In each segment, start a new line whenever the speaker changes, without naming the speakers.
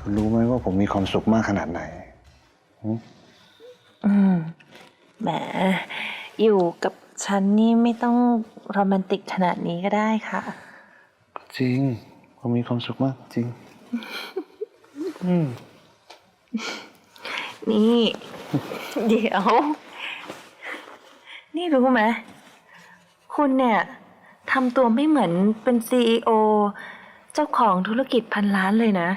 คุณรู้ไหมว่าผมมีความสุขมากขนาดไหน
แหมอยู่กับฉันนี่ไม่ต้องโรแมนติกขนาดนี้ก็ได้ค่ะ
จริงผมมีความสุขมากจริง
นี่ เดี๋ยว นี่รู้ไหมคุณเนี่ยทำตัวไม่เหมือนเป็นCEOเจ้าของธุรกิจ1,000 ล้านเลยนะ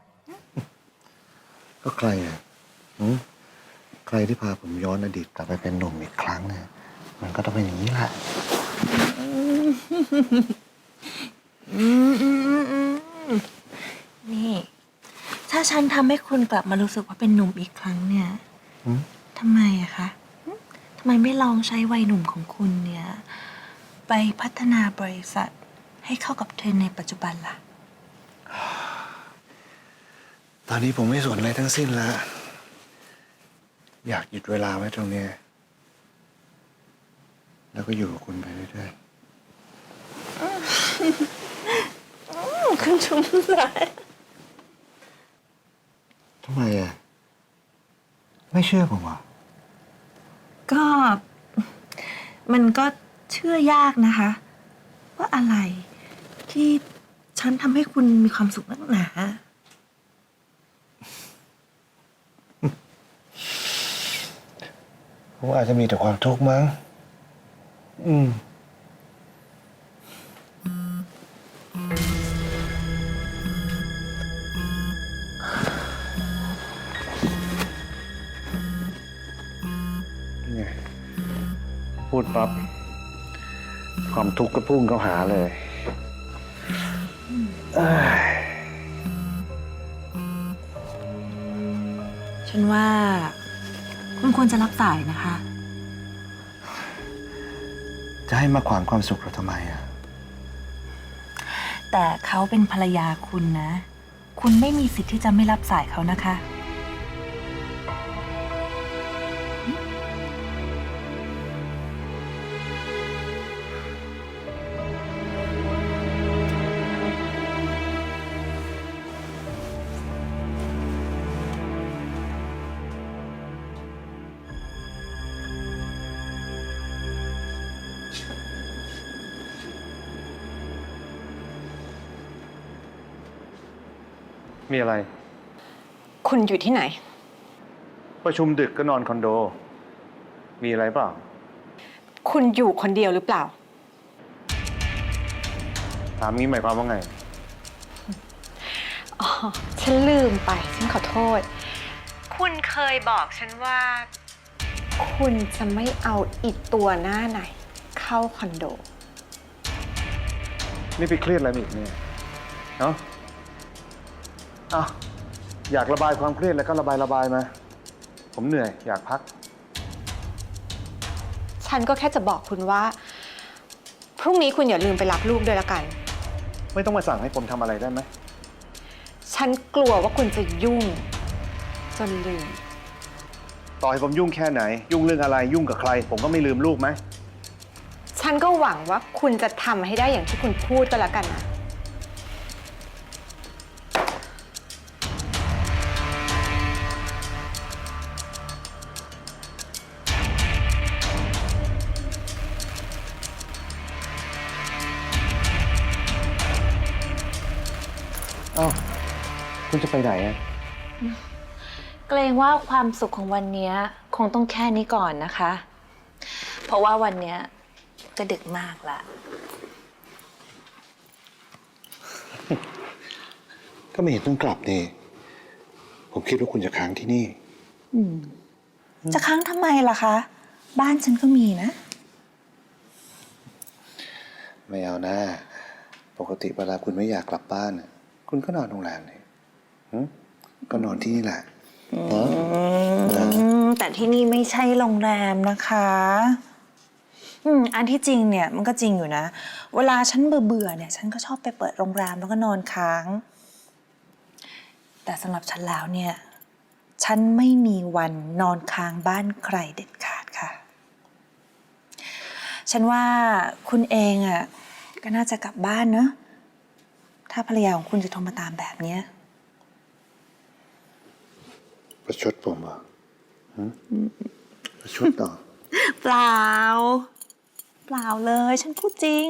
ก็ใครอ่ะใครที่พาผมย้อนอดีตกลับไปเป็นหนุ่มอีกครั้งเนี่ยมันก็ต้องเป็นอย่างนี้แหละ
นี่ ถ้าฉันทำให้คุณกลับมารู้สึกว่าเป็นหนุ่มอีกครั้งเนี่ยทำไมอะคะทำไมไม่ลองใช้วัยหนุ่มของคุณเนี่ย ไปพัฒนาบริษัทให้เข้ากับเทรนด์ในปัจจุบันล่ะ
ตอนนี้ผมไม่สนอะไรทั้งสิ้นแล้วอยากหยุดเวลาไว้ตรงนี้แล้วก็อยู่กับคุณไปเรื่อย
ๆคุณชุ่มใจ
ทำไมอ่ะไม่เชื่อผมอ่ะ
ก็มันก็เชื่อยากนะคะ ว่าอะไรที่ฉันทำให้คุณมีความสุขนักหนา
ผมอาจจะมีแต่ความทุกข์มั้งไงพูดปั๊บความทุกข์ก็พุ่งเข้าหาเลย
ฉันว่าคุณควรจะรับสายนะคะ
จะให้มาขวางความสุขเราทำไมอ่ะ
แต่เขาเป็นภรรยาคุณนะ คุณไม่มีสิทธิ์ที่จะไม่รับสายเขานะคะ
มีอะไร
คุณอยู่ที่ไหน
ประชุมดึกก็นอนคอนโดมีอะไรเปล่า
คุณอยู่คนเดียวหรือเปล่า
ถามงี้หมายความว่าไง
อ๋อฉันลืมไปฉันขอโทษคุณเคยบอกฉันว่าคุณจะไม่เอาอีกตัวหน้าไหนเข้าคอนโด
นี่ไปเครียดอะไรมาอีกเนี่ยเนาะอยากระบายความเครียดแล้วก็ระบายมาผมเหนื่อยอยากพัก
ฉันก็แค่จะบอกคุณว่าพรุ่งนี้คุณอย่าลืมไปรับลูกด้วยละกัน
ไม่ต้องมาสั่งให้ผมทำอะไรได้ไหม
ฉันกลัวว่าคุณจะยุ่งจนลืม
ต่อให้ผมยุ่งแค่ไหนยุ่งเรื่องอะไรยุ่งกับใครผมก็ไม่ลืมลูกไหม
ฉันก็หวังว่าคุณจะทำให้ได้อย่างที่คุณพูดก็แล้วกันนะ
คุณจะไปไหนอ่ะ
เกรงว่าความสุขของวันนี้คงต้องแค่นี้ก่อนนะคะ เพราะว่าวันนี้ก็ดึกมากละ
ก็ไม่เห็นต้องกลับนี่ผมคิดว่าคุณจะค้างที่นี่
จะค้างทำไมล่ะคะบ้านฉันก็มีนะ
ไม่เอานะปกติเวลาคุณไม่อยากกลับบ้านคุณก็นอนโรงแรมนี่ก็นอนที่นี่แหละ
แต่ที่นี่ไม่ใช่โรงแรมนะคะอันที่จริงเนี่ยมันก็จริงอยู่นะเวลาฉันเบื่อเนี่ยฉันก็ชอบไปเปิดโรงแรมแล้วก็นอนค้างแต่สำหรับฉันแล้วเนี่ยฉันไม่มีวันนอนค้างบ้านใครเด็ดขาดค่ะฉันว่าคุณเองอ่ะก็น่าจะกลับบ้านเนอะถ้าภรรยาของคุณจะโทรมาตามแบบนี้
ประชดผมเหรอหึประชดต่อ
เปล่า เปล่าเลย ฉันพูดจริง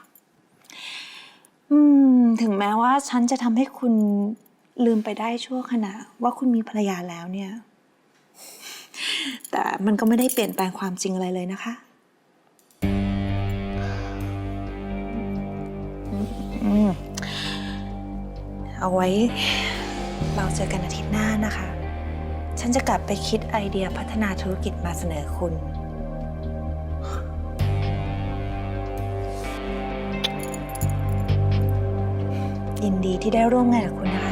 ถึงแม้ว่าฉันจะทำให้คุณลืมไปได้ชั่วขณะว่าคุณมีภรรยาแล้วเนี่ย แต่มันก็ไม่ได้เปลี่ยนแปลงความจริงอะไรเลยนะคะ เอาไว้เราเจอกันอาทิตย์หน้านะคะ ฉันจะกลับไปคิดไอเดียพัฒนาธุรกิจมาเสนอคุณ ยินดีที่ได้ร่วมงานกับคุณนะคะ